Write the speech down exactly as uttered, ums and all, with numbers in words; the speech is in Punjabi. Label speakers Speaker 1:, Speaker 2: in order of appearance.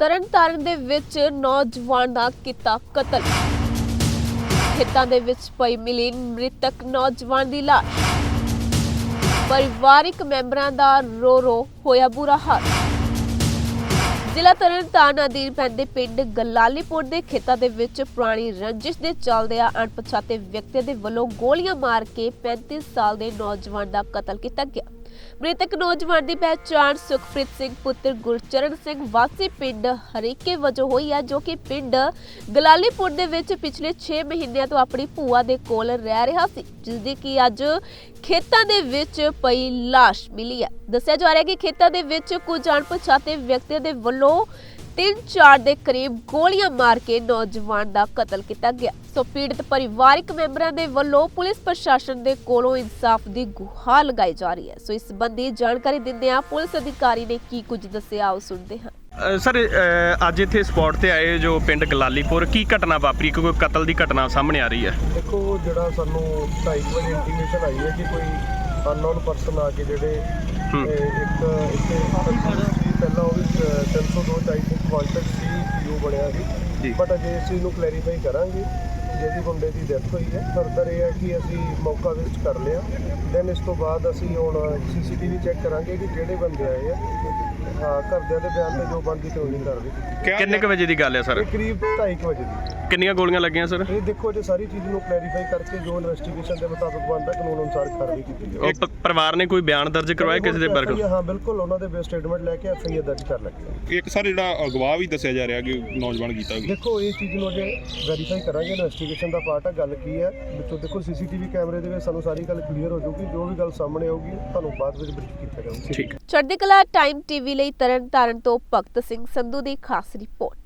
Speaker 1: ਤਰਨਤਾਰਨ ਦੇ ਵਿੱਚ ਨੌਜਵਾਨ ਦਾ ਕੀਤਾ ਕਤਲ। ਖੇਤਾਂ ਦੇ ਵਿੱਚ ਪਈ ਮਿਲੀ ਮ੍ਰਿਤਕ ਨੌਜਵਾਨ ਦੀ ਲਾਸ਼। ਪਰਿਵਾਰਿਕ ਮੈਂਬਰਾਂ ਦਾ ਰੋ ਰੋ ਹੋਇਆ ਬੁਰਾ ਹਾਲ। ਜ਼ਿਲ੍ਹਾ ਤਰਨਤਾਰਨ ਅਧੀਨ ਪੈਂਦੇ ਪਿੰਡ ਗਲਾਲੀਪੁਰ ਦੇ ਖੇਤਾਂ ਦੇ ਵਿੱਚ ਪੁਰਾਣੀ ਰੰਜਿਸ਼ ਦੇ ਚੱਲਦਿਆਂ ਅਣਪਛਾਤੇ ਵਿਅਕਤੀਆਂ ਦੇ ਵੱਲੋਂ ਗੋਲੀਆਂ ਮਾਰ ਕੇ ਪੈਂਤੀ ਸਾਲ ਦੇ ਨੌਜਵਾਨ ਦਾ ਕਤਲ ਕੀਤਾ ਗਿਆ। ਮ੍ਰਿਤਕ ਨੌਜਵਾਨ ਦੀ ਪਹਿਚਾਣ ਸੁਖਪ੍ਰੀਤ ਸਿੰਘ ਪੁੱਤਰ ਗੁਰਚਰਨ ਸਿੰਘ ਵਾਸੀ ਪਿੰਡ ਹਰੀਕੇ ਵਜੋਂ ਹੋਈ ਹੈ, ਜੋ ਕਿ ਪਿੰਡ ਗਲਾਲੀਪੁਰ ਦੇ ਵਿੱਚ ਪਿਛਲੇ ਛੇ ਮਹੀਨਿਆਂ ਤੋਂ ਆਪਣੀ ਭੂਆ ਦੇ ਕੋਲ ਰਹਿ ਰਿਹਾ ਸੀ, ਜਿਸ ਦੀ ਕਿ ਅੱਜ ਖੇਤਾਂ ਦੇ ਵਿੱਚ ਪਈ ਲਾਸ਼ ਮਿਲੀ ਹੈ। ਦੱਸਿਆ ਜਾ ਰਿਹਾ ਹੈ ਕਿ ਖੇਤਾਂ ਦੇ ਵਿੱਚ ਕੁਝ ਅਣਪਛਾਤੇ ਵਿਅਕਤੀਆਂ ਦੇ ਵੱਲੋਂ ਤਿੰਨ ਚਾਰ ਦੇ ਕਰੀਬ ਗੋਲੀਆਂ ਮਾਰ ਕੇ ਨੌਜਵਾਨ ਦਾ ਕਤਲ ਕੀਤਾ ਗਿਆ। ਸੋ ਪੀੜਤ ਪਰਿਵਾਰਿਕ ਮੈਂਬਰਾਂ ਦੇ ਵੱਲੋਂ ਪੁਲਿਸ ਪ੍ਰਸ਼ਾਸਨ ਦੇ ਕੋਲੋਂ ਇਨਸਾਫ ਦੀ ਗੁਹਾਰ ਲਗਾਈ ਜਾ ਰਹੀ ਹੈ। ਸੋ ਇਸ ਸੰਬੰਧੀ ਜਾਣਕਾਰੀ ਦਿੰਦਿਆਂ ਪੁਲਿਸ ਅਧਿਕਾਰੀ ਨੇ ਕੀ ਕੁਝ ਦੱਸਿਆ, ਆਓ ਸੁਣਦੇ ਹਾਂ।
Speaker 2: ਸਰ ਅੱਜ ਇੱਥੇ ਸਪੌਟ ਤੇ ਆਏ ਜੋ ਪਿੰਡ ਗਲਾਲੀਪੁਰ, ਕੀ ਘਟਨਾ ਵਾਪਰੀ? ਕੋਈ ਕਤਲ ਦੀ ਘਟਨਾ ਸਾਹਮਣੇ ਆ ਰਹੀ ਹੈ।
Speaker 3: ਦੇਖੋ, ਜਿਹੜਾ ਸਾਨੂੰ ਢਾਈ ਵਜੇ ਇੰਟੀਮੇਸ਼ਨ ਆਈ ਹੈ ਕਿ ਕੋਈ ਅਨਨੋਨ ਪਰਸਨ ਆ ਕੇ ਜਿਹੜੇ ਇੱਕ ਇੱਥੇ ਪਹਿਲਾਂ ਉਹ ਵੀ ਤਿੰਨ ਸੌ ਦੋ ਚਾਈ ਇੱਕ ਵਾਂਟਡ ਸੀ ਪੀਓ ਬਣਿਆ ਸੀ, ਬਟ ਅਜੇ ਇਸ ਚੀਜ਼ ਨੂੰ ਕਲੈਰੀਫਾਈ ਕਰਾਂਗੇ। ਜਿਹਦੀ ਮੁੰਡੇ ਦੀ ਡੈਥ ਹੋਈ ਹੈ, ਫਰਦਰ ਇਹ ਹੈ ਕਿ ਅਸੀਂ ਮੌਕਾ ਵਿਜ਼ਿਟ ਕਰ ਲਿਆ। ਦੈਨ ਇਸ ਤੋਂ ਬਾਅਦ ਅਸੀਂ ਹੁਣ ਸੀਸੀਟੀਵੀ ਚੈੱਕ ਕਰਾਂਗੇ ਕਿ ਜਿਹੜੇ ਬੰਦੇ ਆਏ ਆ, ਹਾਂ, ਘਰਦਿਆਂ ਦੇ ਬਿਆਨ ਤੇ ਜੋ ਬਣਦੀ ਕਾਨੂੰਨੀ ਕਾਰਵਾਈ।
Speaker 2: ਕਿੰਨੇ ਕੁ ਵਜੇ ਦੀ ਗੱਲ ਹੈ ਸਰ?
Speaker 3: ਇਹ ਕਰੀਬ ਢਾਈ ਕੁ ਵਜੇ ਦੀ।
Speaker 2: ਕਿੰਨੀਆਂ ਗੋਲੀਆਂ ਲੱਗੀਆਂ ਸਰ?
Speaker 3: ਇਹ ਦੇਖੋ, ਜੇ ਸਾਰੀ ਚੀਜ਼ ਨੂੰ ਕਲੈਰੀਫਾਈ ਕਰਕੇ ਜੋ ਇਨਵੈਸਟੀਗੇਸ਼ਨ ਦੇ ਮੁਤਾਬਕ ਬਣਦਾ ਕਾਨੂੰਨ ਅਨੁਸਾਰ ਕਾਰਵਾਈ ਕੀਤੀ ਜਾਵੇ।
Speaker 2: ਉਹ ਪਰਿਵਾਰ ਨੇ ਕੋਈ ਬਿਆਨ ਦਰਜ ਕਰਵਾਇਆ ਕਿਸੇ ਦੇ ਬਾਰੇ?
Speaker 3: ਹਾਂ ਬਿਲਕੁਲ, ਉਹਨਾਂ ਦੇ ਬੇਸ ਸਟੇਟਮੈਂਟ ਲੈ ਕੇ ਐਫ ਆਈ ਆਰ ਦਰਜ ਕਰ ਲੱਗੇ।
Speaker 4: ਇੱਕ ਸਰ ਜਿਹੜਾ ਅਗਵਾ ਵੀ ਦੱਸਿਆ ਜਾ ਰਿਹਾ ਕਿ ਨੌਜਵਾਨ ਕੀਤਾ ਗਿਆ।
Speaker 3: ਦੇਖੋ, ਇਹ ਚੀਜ਼ ਨੂੰ ਅਜੇ ਵੈਰੀਫਾਈ ਕਰਾਂਗੇ, ਇਨਵੈਸਟੀਗੇਸ਼ਨ ਦਾ ਪਾਰਟ ਹੈ। ਗੱਲ ਕੀ ਹੈ ਵਿੱਚੋਂ ਦੇਖੋ ਸੀਸੀਟੀਵੀ ਕੈਮਰੇ ਦੇ ਵਿੱਚ ਸਾਨੂੰ ਸਾਰੀ ਗੱਲ ਕਲੀਅਰ ਹੋ ਜਾਊਗੀ। ਜੋ ਵੀ ਗੱਲ ਸਾਹਮਣੇ ਆਊਗੀ ਤੁਹਾਨੂੰ ਬਾਅਦ ਵਿੱਚ ਬਰੀਫ ਕੀਤਾ ਜਾਊਗਾ।
Speaker 2: ਠੀਕ।
Speaker 1: ਚੜ੍ਹਦੀ ਕਲਾ ਟਾਈਮ ਟੀਵੀ ਲਈ ਤਰਨਤਾਰਨ ਤੋਂ ਭਗਤ ਸਿੰਘ ਸੰਧੂ ਦੀ ਖਾਸ ਰਿਪੋਰਟ।